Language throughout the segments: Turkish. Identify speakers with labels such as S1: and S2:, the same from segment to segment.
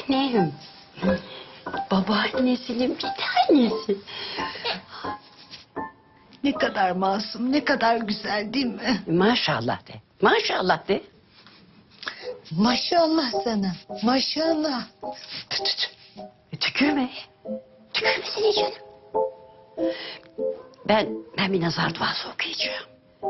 S1: tanem. Babaannesinin bir tanesi.
S2: Ne kadar masum, ne kadar güzel değil mi?
S1: Maşallah de. Maşallah de.
S2: Maşallah sana, maşallah.
S1: Tükürme. Tükürmesene canım. Ben bir nazar duası okuyacağım.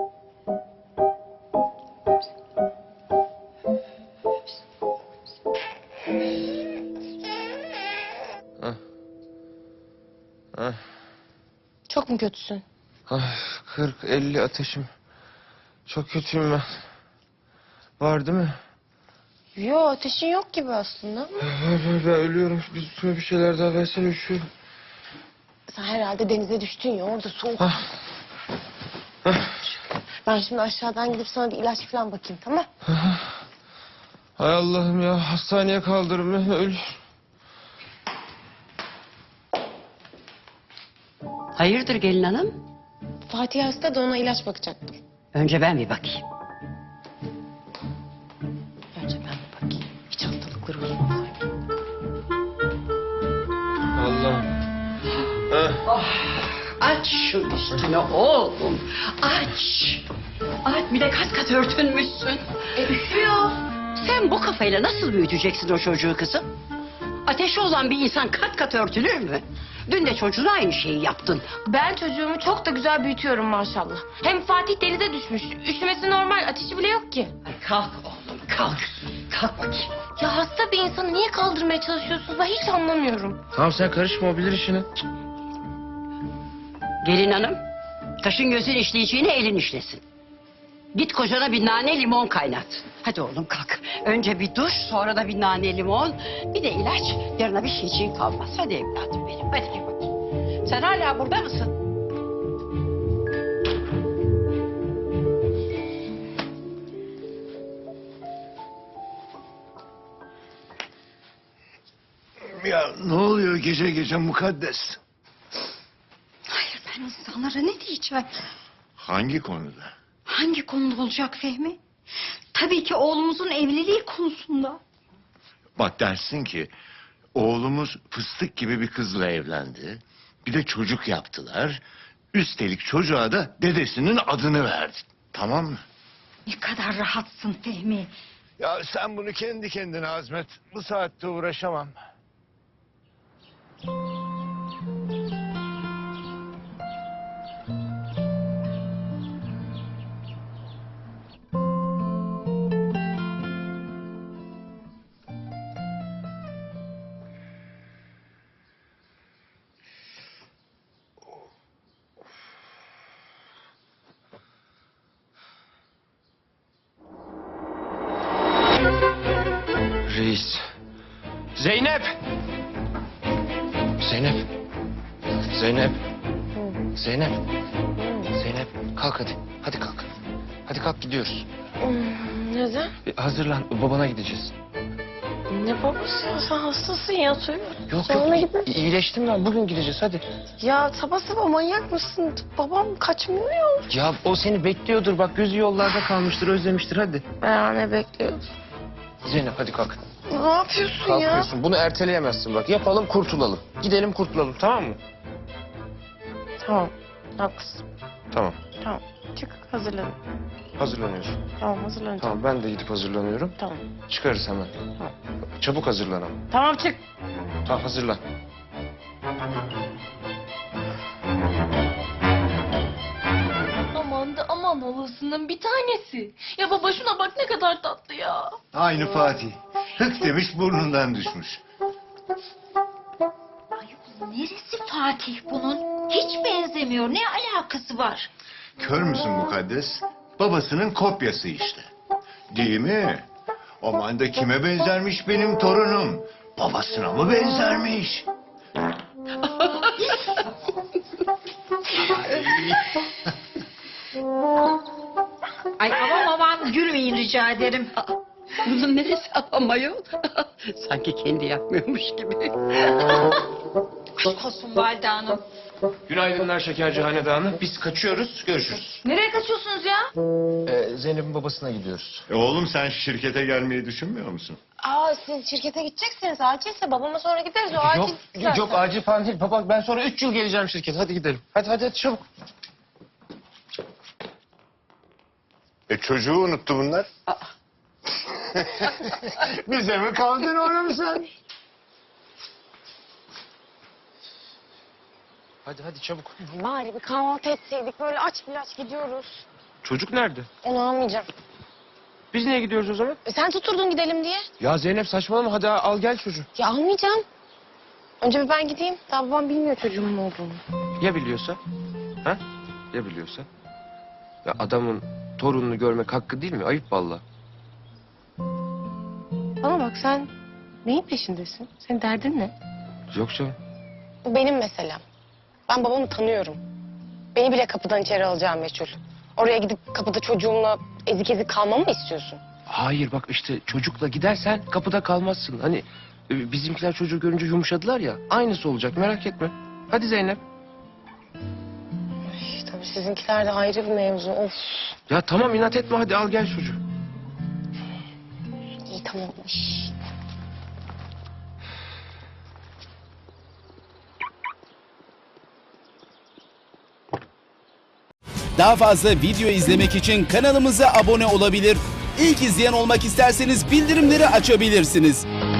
S3: Çok mu kötüsün?
S4: Ay, 40-50 ateşim. Çok kötüyüm ben. Var değil mi?
S3: Yo, ateşin yok gibi aslında.
S4: Ben ölüyorum. Bir şeyler daha versene, üşüyorum.
S3: Sen herhalde denize düştün ya, orada soğuk.
S4: Ah.
S3: Ben şimdi aşağıdan gidip sana bir ilaç falan bakayım, tamam?
S4: Hay Allah'ım ya, hastaneye kaldırın beni, ölüyorum.
S1: Hayırdır gelin hanım?
S3: Fatih hasta da ona ilaç bakacaktım.
S1: Önce ben bir bakayım.
S3: Önce ben bir bakayım. Hiç hastalıkları uzmasaydı.
S4: Allah'ım.
S1: Aç şu üstünü oğlum. Aç. Aç, bir de kat kat örtünmüşsün. Üşüyor. Sen bu kafayla nasıl büyüteceksin o çocuğu kızım? Ateşi olan bir insan kat kat örtülür mü? Dün de çocuğuna aynı şeyi yaptın.
S3: Ben çocuğumu çok da güzel büyütüyorum maşallah. Hem Fatih denize düşmüş. Üşümesi normal, ateşi bile yok ki.
S1: Ay kalk oğlum, kalk. Kalk bakayım.
S3: Ya hasta bir insanı niye kaldırmaya çalışıyorsunuz? Ben hiç anlamıyorum.
S4: Tamam, sen karışma, o bilir işini.
S1: Gelin hanım, taşın gözün işleyeceğine elin işlesin. Git kocana bir nane limon kaynat. Hadi oğlum kalk. Önce bir duş, sonra da bir nane limon. Bir de ilaç. Yarına bir şeyciğin kalmaz. Hadi evladım benim. Hadi gel bakayım. Sen hala burada mısın?
S5: Ya ne oluyor gece gece mukaddes?
S6: Hayır, ben insanlara ne diyeceğim?
S5: Hangi konuda?
S6: Hangi konuda olacak Fehmi? Tabii ki oğlumuzun evliliği konusunda.
S5: Bak, dersin ki oğlumuz fıstık gibi bir kızla evlendi. Bir de çocuk yaptılar. Üstelik çocuğa da dedesinin adını verdi. Tamam mı?
S6: Ne kadar rahatsın Fehmi.
S5: Ya sen bunu kendi kendine hazmet. Bu saatte uğraşamam.
S4: Reis. Zeynep! Zeynep. Zeynep. Zeynep. Zeynep, kalk hadi. Hadi kalk. Hadi kalk, gidiyoruz.
S3: Neden?
S4: Hazırlan, babana gideceğiz.
S3: Ne babası ya? Sen hastasın ya, söyle.
S4: Yok
S3: Sonra
S4: yok,
S3: gidelim.
S4: iyileştim ben. Bugün gideceğiz, hadi.
S3: Ya sabah sabah manyak mısın? Babam kaçmıyor ya.
S4: Ya o seni bekliyordur, bak gözü yollarda kalmıştır, özlemiştir, hadi.
S3: Ben ne bekliyorsun?
S4: Zeynep hadi kalk.
S3: Ne yapıyorsun ya?
S4: Kalkıyorsun, bunu erteleyemezsin bak. Yapalım, kurtulalım. Gidelim, kurtulalım, tamam mı?
S3: Tamam, haklısın.
S4: Tamam,
S3: Tamam, çık hazırlan.
S4: hazırlanıyorsun.
S3: Tamam, hazırlanacağım.
S4: Tamam, ben de gidip hazırlanıyorum.
S3: Tamam.
S4: Çıkarız hemen.
S3: Tamam.
S4: Çabuk hazırlan ama.
S3: Tamam, çık.
S4: Tamam, hazırlan.
S7: Aman da aman halasının bir tanesi. Ya baba şuna bak ne kadar tatlı ya.
S5: Aynı Fatih. Hık demiş, burnundan düşmüş.
S6: Ay, neresi Fatih bunun? Hiç benzemiyor. Ne alakası var?
S5: Kör müsün mukaddes? Babasının kopyası işte. Değil mi? Aman da kime benzermiş benim torunum? Babasına mı benzermiş?
S6: Ay aman gülmeyin rica ederim.
S1: Bunun neresi apamayol? Sanki kendi yapmıyormuş gibi.
S6: Aşk olsun Valide Hanım.
S4: Günaydınlar Şekerci Hanedanı. Biz kaçıyoruz. Görüşürüz.
S3: Nereye kaçıyorsunuz ya?
S4: Zeynep'in babasına gidiyoruz.
S5: Oğlum sen şirkete gelmeyi düşünmüyor musun?
S3: Aa siz şirkete gideceksiniz. Acilse babama sonra gideriz. O acil zaten.
S4: Yok acil falan değil. Baba ben sonra 3 yıl geleceğim şirkete. Hadi gidelim. Hadi çabuk.
S5: Çocuğu unuttu bunlar. Bize mi kaldın oğlum sen?
S4: Hadi çabuk.
S3: Bari bir kahvaltı etseydik. Böyle aç gidiyoruz.
S4: Çocuk nerede?
S3: Onu almayacağım.
S4: Biz niye gidiyoruz o zaman?
S3: Sen tuturdun gidelim diye.
S4: Ya Zeynep saçmalama. Hadi al gel çocuğu.
S3: Ya almayacağım. Önce bir ben gideyim. Daha babam bilmiyor çocuğumun olduğunu.
S4: Ya biliyorsa? Ha? Ya biliyorsa? Ya adamın torununu görmek hakkı değil mi? Ayıp vallahi.
S3: Bana bak sen neyin peşindesin? Senin derdin ne?
S4: Yok canım.
S3: Bu benim meselem. Ben babamı tanıyorum. Beni bile kapıdan içeri alacağım meçhul. Oraya gidip kapıda çocuğumla ezik ezik kalmamı mı istiyorsun?
S4: Hayır bak işte çocukla gidersen kapıda kalmazsın. Hani bizimkiler çocuğu görünce yumuşadılar ya. Aynısı olacak merak etme. Hadi Zeynep.
S3: Ay, tabii sizinkiler de ayrı bir mevzu. Of.
S4: Ya tamam inat etme hadi al gel çocuğu.
S3: İyi tamam.
S8: Daha fazla video izlemek için kanalımıza abone olabilir. İlk izleyen olmak isterseniz bildirimleri açabilirsiniz.